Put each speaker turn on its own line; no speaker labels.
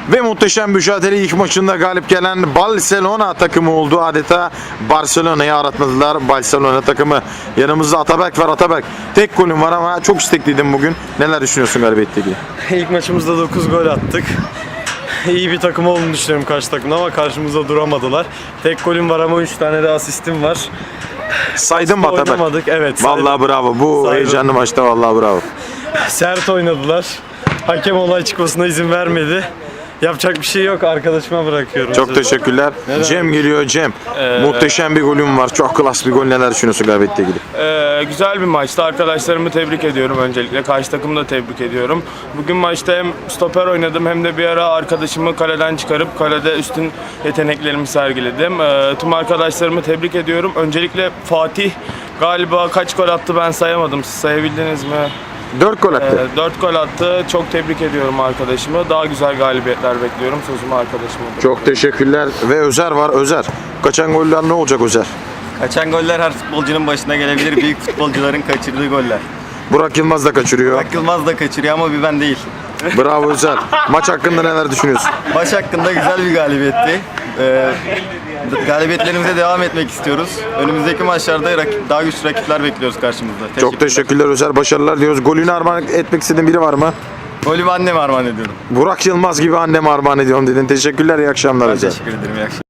Ve muhteşem mücadele ilk maçında galip gelen Barcelona takımı oldu. Adeta Barcelona'yı aratmadılar. Barcelona takımı. Yanımızda Ataberk var. Ataberk, tek golüm var ama çok istekliydim bugün. Neler düşünüyorsun galibiyetle ilgili?
İlk maçımızda 9 gol attık. İyi bir takım olduğunu düşünüyorum karşı takımda ama karşımızda duramadılar. Tek golüm var ama 3 tane de asistim var.
Saydın mı Ataberk?
Oynamadık, evet. Saydım.
Vallahi bravo. Bu
Saydım.
heyecanlı maçta vallahi bravo.
Sert oynadılar. Hakem olay çıkmasına izin vermedi. Yapacak bir şey yok. Arkadaşıma bırakıyorum.
Çok teşekkürler. Cem geliyor. Cem. Muhteşem bir golüm var. Çok klas bir gol. Neler düşünüyorsun galibiyetle ilgili?
Güzel bir maçtı. Arkadaşlarımı tebrik ediyorum öncelikle. Karşı takımı da tebrik ediyorum. Bugün maçta hem stoper oynadım hem de bir ara arkadaşımı kaleden çıkarıp kalede üstün yeteneklerimi sergiledim. Tüm arkadaşlarımı tebrik ediyorum. Öncelikle Fatih galiba kaç gol attı ben sayamadım. Siz sayabildiniz mi?
4 gol attı.
4 gol attı. Çok tebrik ediyorum arkadaşımı. Daha güzel galibiyetler bekliyorum. Sözümü arkadaşıma.
Çok teşekkürler. Ve Özer var. Özer. Kaçan goller ne olacak Özer?
Kaçan goller her futbolcunun başına gelebilir. Büyük futbolcuların kaçırdığı goller.
Burak Yılmaz da kaçırıyor.
Burak Yılmaz da kaçırıyor ama bir ben değil.
Bravo Özer. Maç hakkında neler düşünüyorsun?
Maç hakkında güzel bir galibiyetti. Galibiyetlerimize devam etmek istiyoruz. Önümüzdeki maçlarda daha güçlü rakipler bekliyoruz karşımızda.
Çok teşekkürler Özer. Başarılar diliyoruz. Golünü armağan etmek istediğin biri var mı?
Golümü anneme armağan ediyorum.
Burak Yılmaz gibi anneme armağan ediyorum dedin. Teşekkürler. İyi akşamlar
Ben
Özer.
teşekkür ederim. İyi akşamlar.